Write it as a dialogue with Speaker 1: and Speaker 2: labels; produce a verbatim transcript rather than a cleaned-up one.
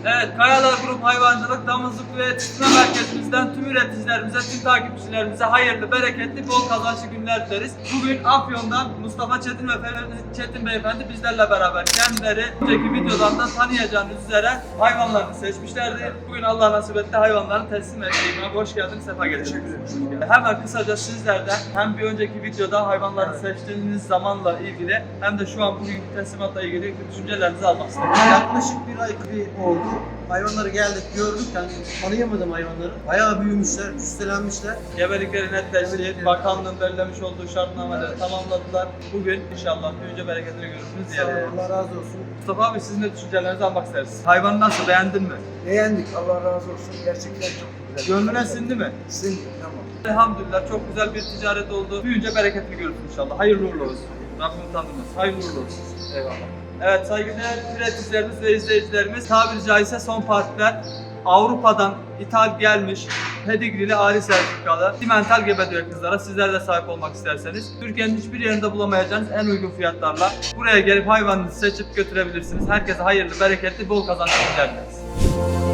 Speaker 1: Evet, Kayalar Grup Hayvancılık Damızlık ve Yetiştirme Merkezimizden tüm üreticilerimize, tüm takipçilerimize hayırlı, bereketli, bol kazançlı günler dileriz. Bugün Afyon'dan Mustafa Çetin ve Ferhat Çetin Beyefendi bizlerle beraber. Kendileri önceki videodan da tanıyacağınız üzere hayvanlarını seçmişlerdi. Bugün Allah nasip etti hayvanlarını teslim edeyim. Hoş geldiniz, sefa getirdiniz. Hemen kısaca sizlerden hem bir önceki videoda hayvanları evet. seçtiğiniz zamanla ilgili hem de şu an bugünkü teslimatla ilgili düşüncelerinizi almak istedim.
Speaker 2: Yaklaşık bir ay bir oldu. Hayvanları geldik, gördük. Yani tanıyamadım hayvanları. Bayağı büyümüşler, üstelenmişler.
Speaker 1: Gebelikleri netleşti.
Speaker 2: Gebelikleri.
Speaker 1: Bakanlığın belirlemiş olduğu şartnameleri evet. tamamladılar. Bugün inşallah büyüyünce bereketini görürsünüz diye.
Speaker 2: Allah razı olsun.
Speaker 1: Mustafa abi sizin de düşüncelerinizi almak isteriz. Hayvanı nasıl, beğendin mi?
Speaker 2: Beğendik. Allah razı olsa gerçekten çok güzel.
Speaker 1: Gönlüne sindi mi?
Speaker 2: Sindi, tamam.
Speaker 1: Elhamdülillah çok güzel bir ticaret oldu. Büyüyünce bereketini görürsün inşallah. Hayırlı uğurlu olsun. Rabbim utandırmasın. Hayırlı uğurlu olsun. Eyvallah. Evet saygıdeğer üreticilerimiz ve izleyicilerimiz, tabiri caizse son partiler Avrupa'dan ithal gelmiş pedigrili ari sertifikalı simental gebe düve kızlara sizler de sahip olmak isterseniz Türkiye'nin hiçbir yerinde bulamayacağınız en uygun fiyatlarla buraya gelip hayvanınızı seçip götürebilirsiniz. Herkese hayırlı, bereketli, bol kazançlı günler dileriz.